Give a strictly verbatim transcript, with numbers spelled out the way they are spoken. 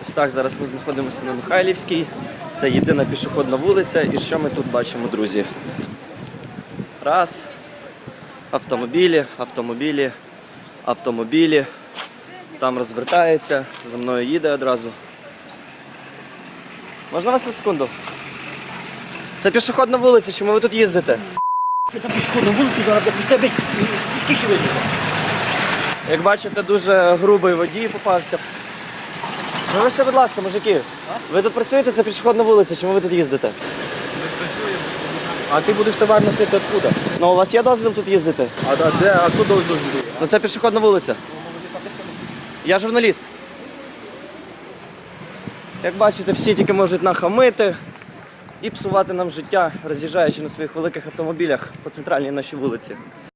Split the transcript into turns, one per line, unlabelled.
Ось так, зараз ми знаходимося на Михайлівській. Це єдина пішохідна вулиця. І що ми тут бачимо, друзі? Раз. Автомобілі, автомобілі, автомобілі. Там розвертається, за мною їде одразу. Можна вас на секунду? Це пішохідна вулиця, чому ви тут їздите?
Це пішохідна вулиця, зараз я пустя бить, тільки вийде.
Як бачите, дуже грубий водій попався. Ну ви ще, будь ласка, мужики, ви тут працюєте, це пішохідна вулиця, чому ви тут їздите?
А ти будеш товар носити откуда?
Ну у вас є дозвіл тут їздити?
А, а де, а хто дозвіл?
Ну це пішохідна вулиця. Я журналіст. Як бачите, всі тільки можуть нахамити і псувати нам життя, роз'їжджаючи на своїх великих автомобілях по центральній нашій вулиці.